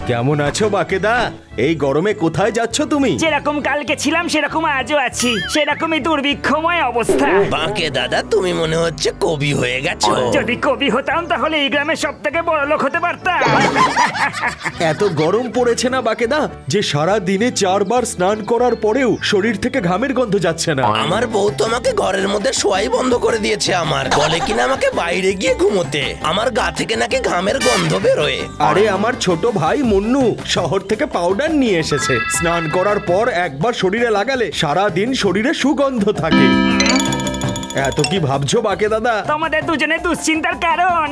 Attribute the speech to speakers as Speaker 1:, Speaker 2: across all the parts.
Speaker 1: কেমন আছো বাকেদা? এই গরমে কোথায় যাচ্ছ তুমি?
Speaker 2: যেরকম কালকে ছিলাম সেরকম আজও আছি, সেরকমই দুর্ভিক্ষময় অবস্থা।
Speaker 3: বাঁকে দাদা, তুমি মনে হচ্ছে কবি হয়ে গেছো।
Speaker 2: যদি কবি হতাম তাহলে এই গ্রামের সব থেকে বড় লোক হতে পারতাম।
Speaker 1: এত গরম পড়েছে না বাকেদা যে সারা দিনে 4 বার স্নান করার পরেও শরীর থেকে ঘামের গন্ধ যাচ্ছে না।
Speaker 3: আমার বউ তো আমাকে ঘরের মধ্যে শোয়াই বন্ধ করে দিয়েছে। আমার বলে কিনা আমাকে বাইরে গিয়ে ঘুমোতে। আমার গা থেকে নাকি ঘামের গন্ধ বেরোয়।
Speaker 1: আরে আমার ছোট ভাই মুন্নু শহর থেকে পাউডার নিয়ে এসেছে। স্নান করার পর একবার শরীরে লাগালে সারা দিন শরীরে সুগন্ধ থাকে। এত কি ভাবছো বাকে দাদা?
Speaker 2: তোমাদের দুজনে দুশ্চিন্তার কারণ।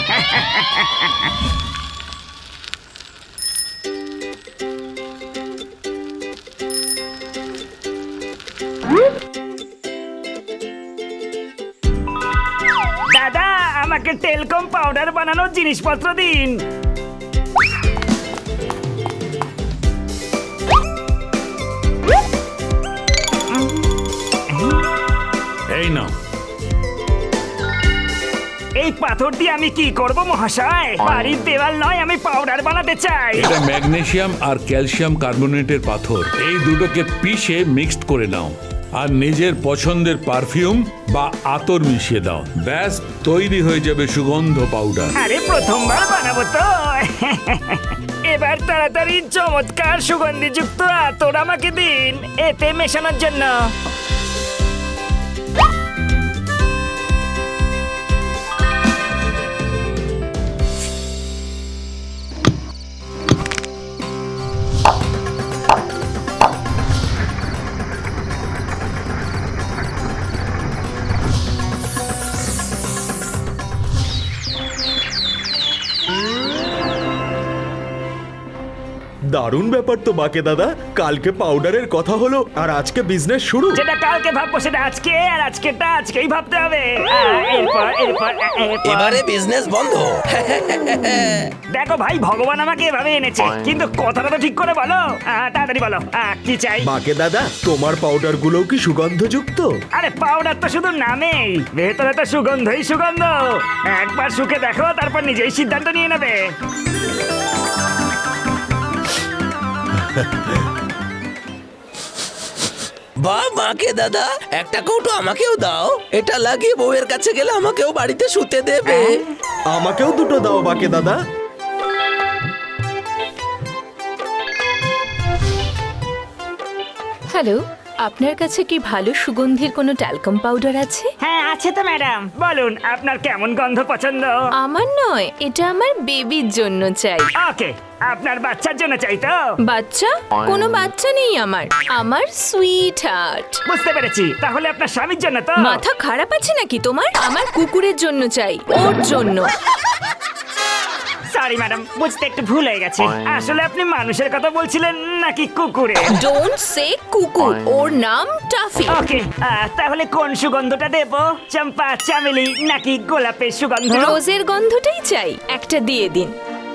Speaker 2: দাদা, আমাকে টেলকম পাউডার বানানোর জিনিসপত্র দিন।
Speaker 4: এই নাও।
Speaker 2: এই পাথর দিয়ে আমি কি করব মহাশয়? বাড়ির দেওয়াল নয়, আমি পাউডার বানাতে চাই।
Speaker 4: এটা ম্যাগনেসিয়াম আর ক্যালসিয়াম কার্বনেটের পাথর। এই দুটোকে পিষে মিক্সড করে নাও আর নিজের পছন্দের পারফিউম বা আতর মিশিয়ে দাও। ব্যাস, তৈরি হয়ে যাবে সুগন্ধ পাউডার।
Speaker 2: আরে প্রথমবার বানাবো তো। এবার তাড়াতাড়ি চমৎকার সুগন্ধিযুক্ত আতর আমাকে দিন এতে মেশানোর জন্য।
Speaker 1: দারুণ ব্যাপার তো বাকে দাদা। কালকে পাউডারের কথা হলো আর আজকে বিজনেস শুরু।
Speaker 2: যেটা কালকে ভাববো সেটা আজকে, আর আজকেরটা আজকেই ভাবতে হবে। এরপর
Speaker 3: এবারে বিজনেস বন্ধ।
Speaker 2: দেখো ভাই, ভগবান আমাকে এভাবে এনেছে, কিন্তু কথাটা তো ঠিক করে বলো। তাড়াতাড়ি বলো কি চাই।
Speaker 1: বাকে দাদা, তোমার পাউডার গুলো কি সুগন্ধযুক্ত?
Speaker 2: আরে পাউডার তো শুধু নামেই, ভেতরে তো সুগন্ধই সুগন্ধ। একবার শুকে দেখো, তারপর নিজেই সিদ্ধান্ত নিয়ে নেবে।
Speaker 3: বাহ বাঁকে দাদা, একটা কৌটো আমাকেও দাও। এটা লাগিয়ে বউয়ের কাছে গেলে আমাকেও বাড়িতে শুতে দেবে।
Speaker 1: আমাকেও দুটো দাও বাকে দাদা।
Speaker 5: হ্যালো, আপনার কাছে কি ভালো সুগন্ধির কোনো ট্যালকম পাউডার আছে?
Speaker 2: হ্যাঁ আছে তো ম্যাডাম, বলুন আপনার কেমন গন্ধ পছন্দ।
Speaker 5: আমার নয়, এটা আমার বেবির জন্য চাই।
Speaker 2: ওকে, আপনার বাচ্চার জন্য চাই তো?
Speaker 5: বাচ্চা? কোনো বাচ্চা নেই আমার। আমার সুইট হার্ট।
Speaker 2: বুঝতে পেরেছি, তাহলে আপনার স্বামীর জন্য তো?
Speaker 5: মাথা খারাপ আছে নাকি তোমার? আমার কুকুরের জন্য চাই, ওর জন্য।
Speaker 2: সরি ম্যাডাম, বুঝতে একটু ভুল হয়ে গেছে। আসলে আপনি মানুষের কথা বলছিলেন নাকি কুকুরের?
Speaker 5: ডোন্ট সে কুকুর, ওর নাম টাফি।
Speaker 2: ওকে, তাহলে কোন সুগন্ধটা দেব? চম্পা, চামেলি নাকি গোলাপের সুগন্ধ?
Speaker 5: রোজের গন্ধটাই চাই, একটা দিয়ে দিন।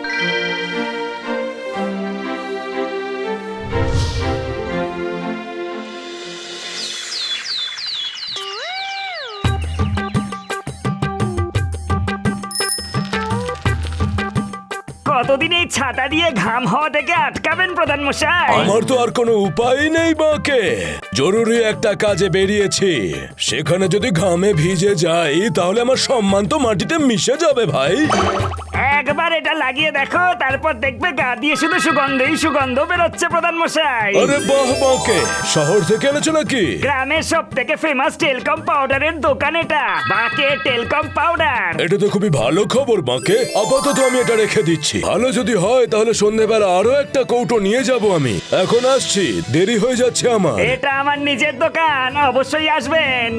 Speaker 2: কতদিন এই ছাতা দিয়ে ঘাম হওয়া থেকে আটকাবেন প্রধান মশাই?
Speaker 6: আমার তো আর কোনো উপায় নেই বাকে। জরুরি একটা কাজে বেরিয়েছি, সেখানে যদি ঘামে ভিজে যাই তাহলে আমার সম্মান তো মাটিতে মিশে যাবে ভাই।
Speaker 2: একবার এটা লাগিয়ে দেখো, তারপর দেখবে গা দিয়ে শুধু সুগন্ধই সুগন্ধ বেরোচ্ছে প্রধান মশাই।
Speaker 6: আরে বাহ বাকে, শহর থেকে এনেছো নাকি?
Speaker 2: গ্রামের সব থেকে ফেমাস টেলকম পাউডারের দোকান এটা, বাকে টেলকম পাউডার।
Speaker 6: এটা তো খুবই ভালো খবর বাকে। আপাতত আমি এটা রেখে দিচ্ছি। ভালো যদি হয় তাহলে সন্ধ্যেবেলা আরো একটা কৌটো নিয়ে যাব আমি। এখন আসছি, দেরি হয়ে যাচ্ছে আমার।
Speaker 2: এটা আমার নিজের দোকান, অবশ্যই আসবেন।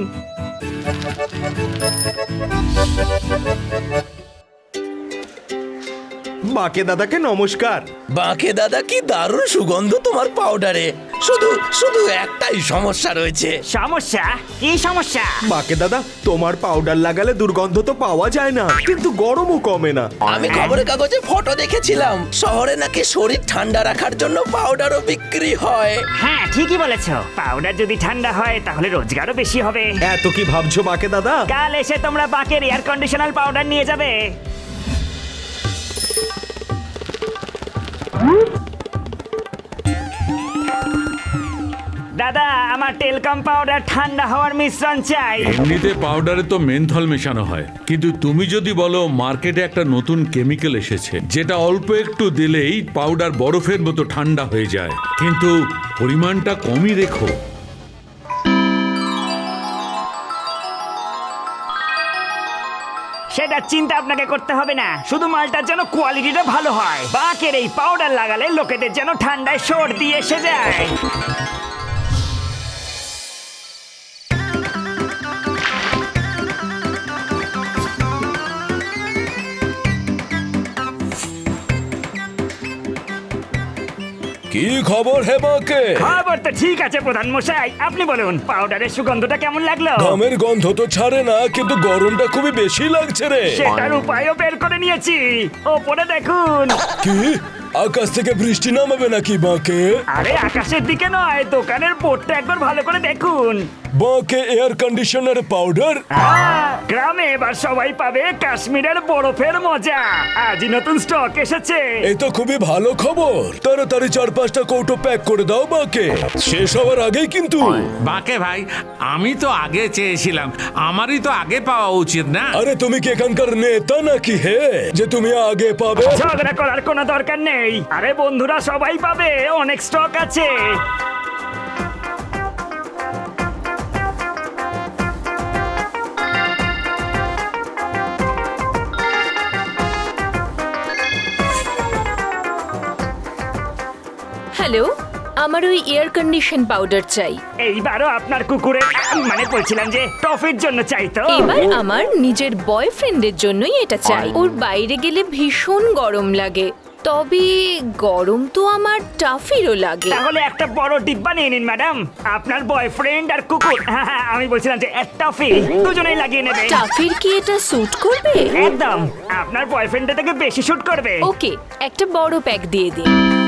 Speaker 1: বাকে দাদাকে নমস্কার।
Speaker 3: বাঁকে দাদা, কি দারুণ সুগন্ধ তোমার পাউডারে। শুধু শুধু একটাই সমস্যা রয়েছে।
Speaker 2: সমস্যা? কি সমস্যা?
Speaker 1: বাকে দাদা, তোমার পাউডার লাগালে দুর্গন্ধ তো পাওয়া যায় না, কিন্তু গরমও কমে না।
Speaker 3: আমি খবরের কাগজে ফটো দেখেছিলাম, শহরে নাকি শরীর ঠান্ডা রাখার জন্য পাউডারও বিক্রি হয়।
Speaker 2: হ্যাঁ ঠিকই বলেছো, পাউডার যদি ঠান্ডা হয় তাহলে রোজগারও বেশি হবে।
Speaker 1: এত কি ভাবছো বাকে দাদা?
Speaker 2: কাল এসে তোমরা বাকের এয়ার কন্ডিশনার পাউডার নিয়ে যাবে। দাদা আমার টেলকাম পাউডার ঠান্ডা হওয়ার মিশ্রণ চাই।
Speaker 4: এমনিতে পাউডারে তো মেনথল মেশানো হয়, কিন্তু তুমি যদি বলো মার্কেটে একটা নতুন কেমিক্যাল এসেছে যেটা অল্প একটু দিলেই পাউডার বরফের মতো ঠান্ডা হয়ে যায়, কিন্তু পরিমাণটা কমই রেখো।
Speaker 2: সেটা চিন্তা আপনাকে করতে হবে না, শুধু মালটার যেন কোয়ালিটিটা ভালো হয়। বাকের এই পাউডার লাগালে লোকেদের যেন ঠান্ডায় সর্দি এসে যায়।
Speaker 6: কি খবর হে বাকে?
Speaker 2: খবর তো ঠিক আছে প্রধান মশাই, আপনি বলুন পাউডারের সুগন্ধটা কেমন লাগলো?
Speaker 6: ঘামের গন্ধ তো ছাড়ে না, কিন্তু গরমটা খুবই বেশি লাগছে রে।
Speaker 2: সেটার উপায়ও বের করে নিয়েছি, ওপরে দেখুন।
Speaker 6: কি আকাশ থেকে বৃষ্টি নামাবে নাকি বাকে?
Speaker 2: আরে আকাশের দিকে নয়, দোকানের বোর্ডটা একবার ভালো করে দেখুন।
Speaker 6: বাকে এয়ার কন্ডিশনার পাউডার?
Speaker 2: গ্রামে এবার সবাই পাবে কাশ্মীরের বরফের মজা। আজই নতুন স্টক এসেছে।
Speaker 6: এই তো খুবই ভালো খবর। তাড়াতাড়ি 4-5টা কৌটো প্যাক করে দাও বাকে, শেষ হওয়ার আগেই কিন্তু।
Speaker 7: বাকে ভাই, আমি তো আগে চেয়েছিলাম, আমারই তো আগে পাওয়া উচিত না?
Speaker 6: আরে তুমি কি এখানকার নেতা নাকি হে যে তুমি আগে পাবে?
Speaker 2: ঝগড়া করার কোনো দরকার নেই। আরে বন্ধুরা সবাই পাবে, অনেক স্টক আছে।
Speaker 5: হ্যালো, আমার ওই এয়ার কন্ডিশন পাউডার চাই।
Speaker 2: এইবারও আপনার কুকুরের মানে বলছিলাম যে টফির জন্য চাই তো।
Speaker 5: এবার আমার নিজের বয়ফ্রেন্ডের জন্যই এটা চাই। ওর বাইরে গেলে ভীষণ গরম লাগে, তবে গরম তো আমার টাফিরও লাগে।
Speaker 2: তাহলে একটা বড় ডিব্বা নিয়ে নিন ম্যাডাম, আপনার বয়ফ্রেন্ড আর কুকুর, আমি বলছিলাম যে এক টফি দুজনেই লাগিয়ে নেবে।
Speaker 5: টাফির কি এটা স্যুট করবে?
Speaker 2: একদম, আপনার বয়ফ্রেন্ডের থেকে বেশি শুট করবে।
Speaker 5: ওকে, একটা বড় প্যাক দিয়ে দিন।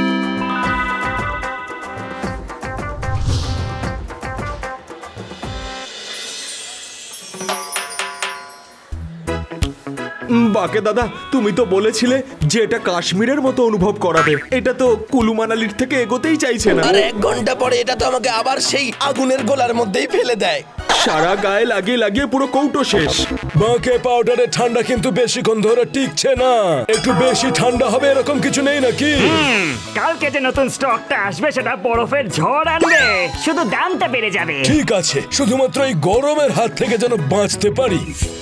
Speaker 1: বাকে দাদা, তুমি তো বলেছিলে যে এটা কাশ্মীরের মতো অনুভব করাবে। এটা তো কুলু মানালির থেকে এগোতেই চাইছে না।
Speaker 3: আর 1 ঘন্টা পরে এটা তো আমাকে আবার সেই আগুনের গোলার মধ্যেই ফেলে দেয়।
Speaker 1: সারা গায়ে লাগিয়ে লাগিয়ে পুরো কৌটো শেষ।
Speaker 6: বাকে পাউডারের ঠান্ডা কিন্তু বেশিক্ষণ ধরে টিকছে না, একটু বেশি ঠান্ডা হবে এরকম কিছু নেই নাকি?
Speaker 2: কালকে যে নতুন স্টকটা আসবে সেটা বরফের ঝড় আনবে, শুধু দামটা বেড়ে যাবে।
Speaker 6: ঠিক আছে, শুধুমাত্র এই গরমের হাত থেকে যেন বাঁচতে পারি।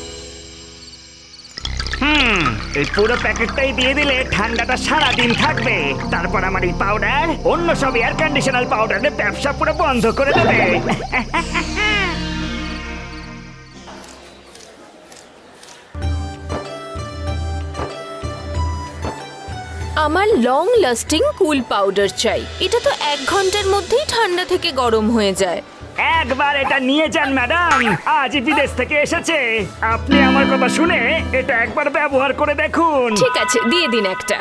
Speaker 2: এই পুরো প্যাকেটটাই দিয়ে দিলে ঠান্ডাটা সারা দিন থাকবে। তারপর আমার এই পাউডার অন্য সব এয়ার কন্ডিশনার পাউডারের ব্যবসা পুরো বন্ধ করে দেবে।
Speaker 5: আমার লং লাস্টিং কুল পাউডার চাই। এটা তো 1 ঘন্টার মধ্যেই ঠান্ডা থেকে গরম হয়ে যায়।
Speaker 2: একবার এটা নিয়ে যান ম্যাডাম, আজ বিদেশ থেকে এসেছে। আপনি আমার কথা শুনে এটা একবার ব্যবহার করে দেখুন।
Speaker 5: ঠিক আছে, দিয়ে দিন একটা।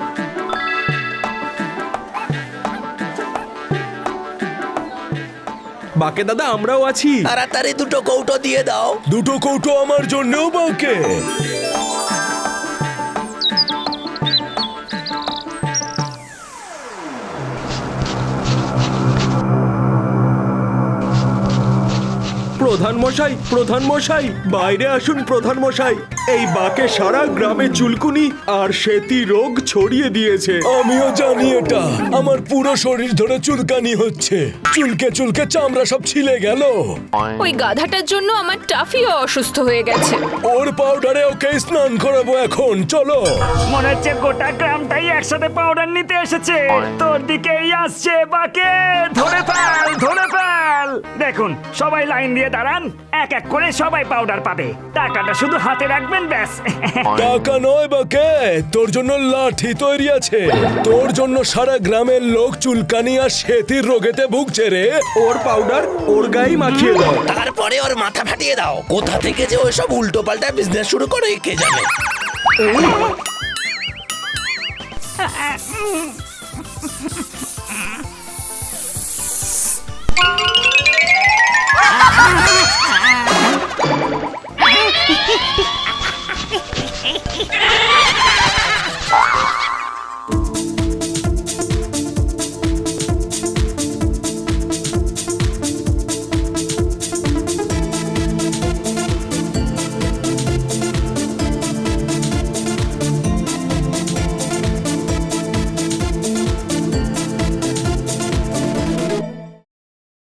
Speaker 1: বাকে দাদা, আমরাও আছি।
Speaker 3: তাড়াতাড়ি 2টো কৌটো দিয়ে দাও।
Speaker 6: 2টো কৌটো আমার জন্যও বাকে।
Speaker 1: প্রধান মশাই, প্রধান মশাই, বাইরে আসুন প্রধান মশাই। এই বাকে সারা গ্রামে চুলকুনি আর সেতি রোগ ছড়িয়ে দিয়েছে।
Speaker 6: আমিও জানি এটা, আমার পুরো শরীর ধরে চুলকানি হচ্ছে, চুলকে চুলকে চামড়া সব ছিলে গেল।
Speaker 5: ওই গাধাটার জন্য আমার টাফিও অসুস্থ হয়ে গেছে।
Speaker 6: ওর পাউডারে ওকে স্নান করাবো এখন, চলো।
Speaker 2: মনে হচ্ছে গোটা গ্রামটাই একসাথে পাউডার নিতে এসেছে। তোর দিকেই আসছে বাকে, ধরে ফেল, ধরে ফেল। দেখুন সবাই লাইন দিয়ে দাঁড়ান, এক এক করে সবাই পাউডার পাবে। টাকাটা শুধু হাতে রাখবেন, ব্যাস।
Speaker 6: টাকা নয় বাকে, তোর জন্য লাঠি তৈরি আছে। তোর জন্য সারা গ্রামের লোক চুলকানি আর সেতির রোগেতে ভুগছে রে।
Speaker 1: ওর পাউডার ওর গায়ে মাখিয়ে দাও।
Speaker 3: তারপরে ওর মাথা ফাটিয়ে দাও। কোথা থেকে যে ওইসব উল্টো পাল্টা বিজনেস শুরু করে কে জানে।